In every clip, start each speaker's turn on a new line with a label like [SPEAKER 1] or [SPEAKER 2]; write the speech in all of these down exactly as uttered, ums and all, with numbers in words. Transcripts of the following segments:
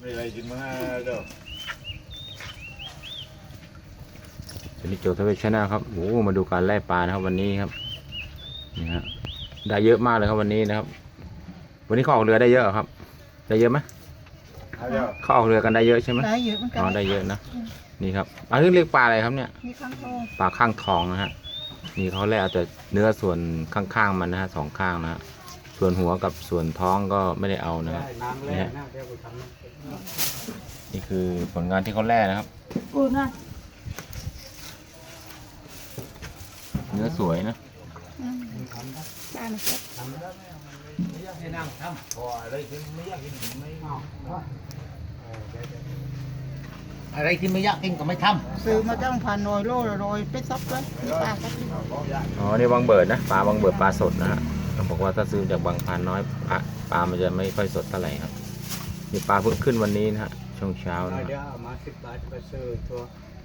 [SPEAKER 1] มีอะไรกินมาเด้อ
[SPEAKER 2] สนิทโจทวีชนะครับโอ้มาดูการไล่ปลานะครับวันนี้ครับนี่ฮะได้เยอะมากเลยครับวันนี้นะครับ วันนี้เขาออกเรือได้เยอะครับ ได้เยอะไหมเขาออกเรือกันได้เยอะใช่ไหม
[SPEAKER 3] ได้เยอะเหมือนกัน
[SPEAKER 2] อ๋อได้เยอะนะนี่ครับอันนี้เรียกปลาอะไรครับเนี่ย
[SPEAKER 3] มีข้างโต
[SPEAKER 2] ปลาข้างทองนะฮะนี่เขาแล่เอาแต่เนื้อส่วนข้างๆมันนะฮะสองข้างนะฮะส่วนหัวกับส่วนท้องก็ไม่ได้เอานะครับนี่ฮะนี่คือผลงานที่เขาแล่นะครับ
[SPEAKER 3] กูน่ะ
[SPEAKER 2] เนื้อสวยนะ
[SPEAKER 3] ได้ไหมครับ
[SPEAKER 4] อะไรที่ไม่ยากกินก็ไม่ท
[SPEAKER 3] ซื้อมาจ้างพันโรยโลโรยไปซับเลยมีปลาสักที
[SPEAKER 2] อ๋อนี่บางเบิดนะปลาบางเบิดปลาสดนะฮะเขาบอกว่าถ้าซื้อจากบางพานน้อยปลาปลามันจะไม่ค่อยสดเท่าไหร่ครับนี่ปลาเพิ่งขึ้นวันนี้นะฮะช่วงเช้านะฮะ
[SPEAKER 4] เดี๋ยวเอามาสิบบาทไปซื้อตัว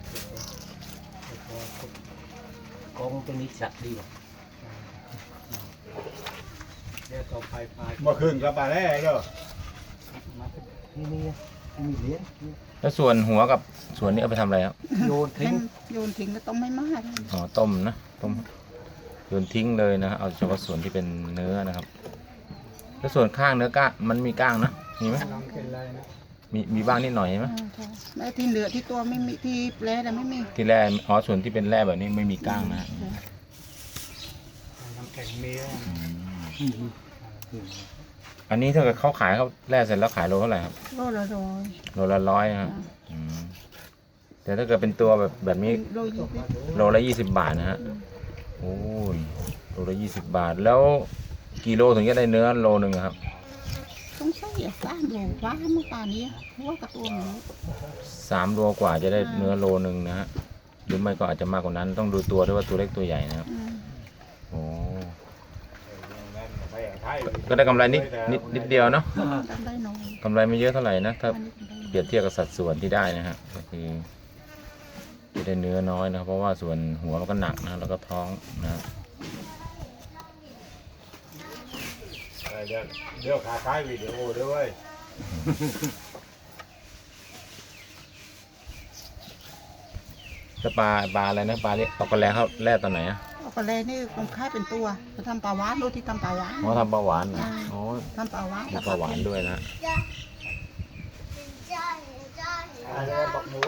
[SPEAKER 4] กองตัวนี้จัดดีกว่าเดี๋ยวต่อไปปลา
[SPEAKER 1] เมื่อคืนกับปลาแร่เด้อ
[SPEAKER 4] มาที่นี่มีเหรียญ
[SPEAKER 2] แล้วส่วนหัวกับส่วนนี้เอาไปทำอะไรครับ
[SPEAKER 4] โยนทิ้
[SPEAKER 3] ให้
[SPEAKER 4] ง
[SPEAKER 3] โยนทิ้งก็ต้องไม่มาก
[SPEAKER 2] อ๋อต้มนะต้มโยนทิ้งเลยนะฮะเอาเฉพาะส่วนที่เป็นเนื้อนะครับแล้วส่วนข้างเนื้อก้างมันมีก้างนะมีไหม
[SPEAKER 4] น้องเป็นไรนะ
[SPEAKER 2] มีมีบ้างนิดหน่อยใช่ไหม
[SPEAKER 3] แล้วที่เหลือที่ตัวไม่มีที่แปลแต่ไม่มี
[SPEAKER 2] ที่แร่อ๋อส่วนที่เป็นแร่แบบนี้ไม่มีก้างนะฮะ
[SPEAKER 4] น้ำแข็งมี
[SPEAKER 2] อืมอันนี้ถ้าเกิดเขาขายเขาแร่เสร็จแล้วขายโลเท่าไหร่ครับ
[SPEAKER 3] โลละโรย
[SPEAKER 2] โลละร้อยนะครับอืมแต่ถ้าเกิดเป็นตัวแบบแบบนี้
[SPEAKER 3] โลยี่สิบ
[SPEAKER 2] โลละยี่สิบบาทนะฮะโอ้ยโลละยี่สิบบาทแล้วกี่โลถึงจะได้เนื้อโลหนึ่งอะครับ
[SPEAKER 3] ต้องใส่สามโลว้าเมื่อป่านนี้เพราะว่ากระตัวหมู
[SPEAKER 2] สามโลกว่าจะได้เนื้อโลหนึ่งนะฮะหรือไม่ก็อาจจะมากกว่านั้นต้องดูตัวด้วยว่าตัวเล็กตัวใหญ่นะครับโอ้ก็ได้กำไรนิดนิดนิดเดียวเนาะ
[SPEAKER 3] ทำได้น้อย
[SPEAKER 2] กำไรไม่เยอะเท่าไหร่นะถ้า
[SPEAKER 3] อันนี้ทำได้
[SPEAKER 2] เปรียบเทียบกับสัดส่วนที่ได้นะฮะก็คือจะได้เนื้อน้อยนะครับเพราะว่าส่วนหัวมันก็หนักนะแล้วก็ท้องนะฮะ
[SPEAKER 1] เดี๋ยวเดี๋ยวขาท้ายวิดีโอด้วย
[SPEAKER 2] ถ้าปลาปลาอะไรนะปลาเรียกเอากระแลเขาแล่ตอนไหนอ่ะ
[SPEAKER 3] เอาไปเลยนี่คงค่ายเป็นตัวจะทำปลาหวานดูที่ทำปลาหวาน
[SPEAKER 2] อ๋อทำปลาหวานเหรออ๋อ
[SPEAKER 3] ทำปลาหวาน
[SPEAKER 2] มีปลาหวานด้วยนะ
[SPEAKER 1] อะไรบอกหมู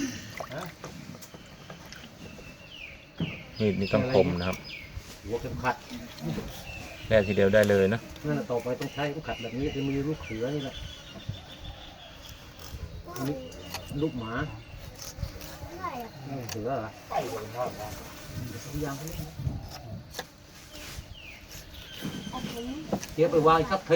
[SPEAKER 2] มีดนี่ต้องคมนะครับ
[SPEAKER 4] หัวเข็มขัด
[SPEAKER 2] แล่ทีเดียวได้เลยนะ
[SPEAKER 4] นั่นต่อไปต้องใช้เข็มขัดแบบนี้จะมีลูกเสือนี่แหละนี่ลูกหมาเสือเหรอยังเดี๋ยวไปวางสักที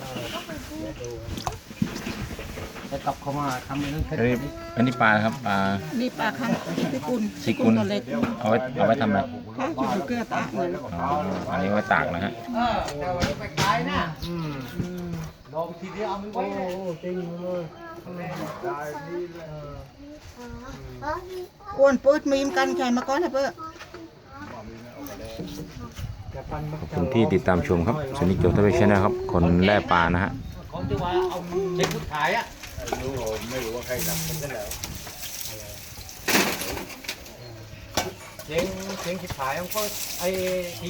[SPEAKER 4] จะกลับเข้ามาทำนั่นแค่
[SPEAKER 2] อันนี้อันนี้ปลาครับปลา
[SPEAKER 3] นี่ปลาข้างพิกุล
[SPEAKER 2] พิกุล
[SPEAKER 3] ตัวเล็ก
[SPEAKER 2] เอาไว้เอาไว้ทำอะไร
[SPEAKER 3] ข้างอยู่เกลือตาเหมือน
[SPEAKER 2] อ๋ออันนี้ไว้ตากนะฮะ
[SPEAKER 4] เออเดี๋ยวไปขายนะอืมลองทีเดียวเอามันไว้เลยจริงเลย
[SPEAKER 3] อ้วนปืดมีมกันใครมาก่อนนะเพื่อ
[SPEAKER 2] ขอบคุณที่ติดตามชมครับสนิทโจทวีชนะครับคนแล่ปลานะฮะ
[SPEAKER 4] ของที่ว่าเอาเช็คพุทธขายอ่ะ
[SPEAKER 1] ไม่รู้ผมไม่รู้ว่าใครดับมันก็แล้ว
[SPEAKER 4] เช็คเช็คพุทธขายมันก็ไอ้